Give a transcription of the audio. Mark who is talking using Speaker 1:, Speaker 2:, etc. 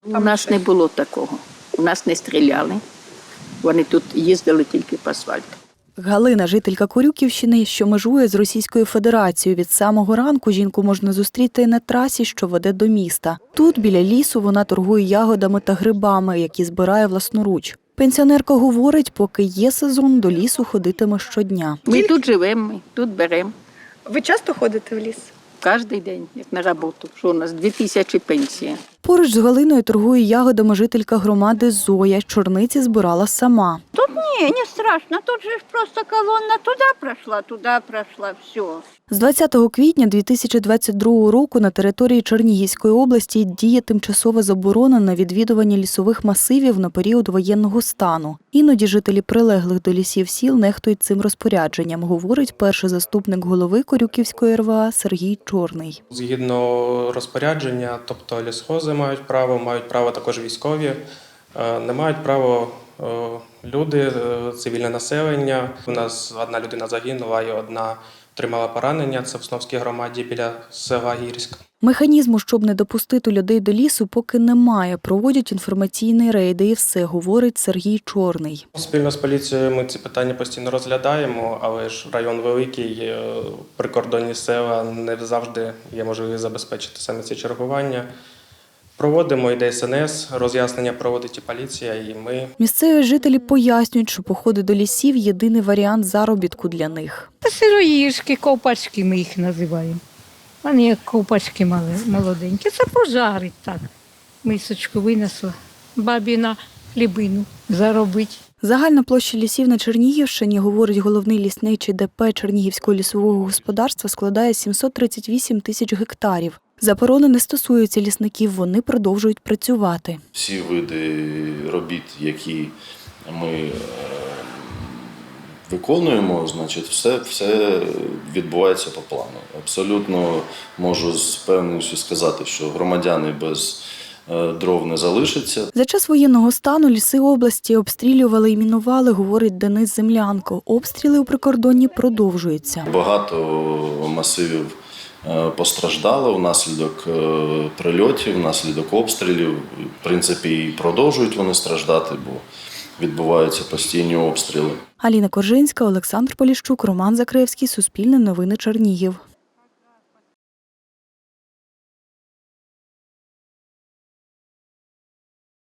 Speaker 1: У нас не було такого. У нас не стріляли. Вони тут їздили тільки по асфальту.
Speaker 2: Галина – жителька Корюківщини, що межує з Російською Федерацією. Від самого ранку жінку можна зустріти на трасі, що веде до міста. Тут, біля лісу, вона торгує ягодами та грибами, які збирає власноруч. Пенсіонерка говорить, поки є сезон, до лісу ходитиме щодня.
Speaker 1: Ми тут живемо, ми тут беремо.
Speaker 3: Ви часто ходите в ліс?
Speaker 1: Кожен день, як на роботу. Що у нас 2000 пенсія.
Speaker 2: Поруч з Галиною торгує ягодами жителька громади Зоя. Чорниці збирала сама.
Speaker 4: Тут не страшно, тут же ж просто колонна туди пройшла, все.
Speaker 2: З 20 квітня 2022 року на території Чернігівської області діє тимчасова заборона на відвідування лісових масивів на період воєнного стану. Іноді жителі прилеглих до лісів сіл нехтують цим розпорядженням, говорить перший заступник голови Корюківської РВА Сергій Чорний.
Speaker 5: Згідно розпорядження, тобто лісхози мають право також військові, не мають права люди, цивільне населення. У нас одна людина загинула і одна отримала поранення. Це в Сновській громаді біля села Гірськ.
Speaker 2: Механізму, щоб не допустити людей до лісу, поки немає. Проводять інформаційні рейди і все, говорить Сергій Чорний.
Speaker 5: Спільно з поліцією ми ці питання постійно розглядаємо, але ж район великий, прикордонні села, не завжди є можливість забезпечити саме ці чергування. Проводимо і ДСНС, роз'яснення проводить і поліція, і ми.
Speaker 2: Місцеві жителі пояснюють, що походи до лісів – єдиний варіант заробітку для них.
Speaker 6: Сироїшки, ковпачки ми їх називаємо. Вони як ковпачки молоденькі. Це пожарить так. Мисочку винесла, бабі на хлібину заробить.
Speaker 2: Загальна площа лісів на Чернігівщині, говорить головний лісничий ДП Чернігівського лісового господарства, складає 738 тисяч гектарів. Заборони не стосуються лісників, вони продовжують працювати.
Speaker 7: Всі види робіт, які ми виконуємо, значить, все відбувається по плану. Абсолютно можу з певністю сказати, що громадяни без дров не залишаться.
Speaker 2: За час воєнного стану ліси області обстрілювали і мінували, говорить Денис Землянко. Обстріли у прикордонні продовжуються.
Speaker 7: Багато масивів постраждало внаслідок прильотів, внаслідок обстрілів. В принципі, і продовжують вони страждати, бо відбуваються постійні обстріли.
Speaker 2: Аліна Коржинська, Олександр Поліщук, Роман Закревський, Суспільне новини Чернігів.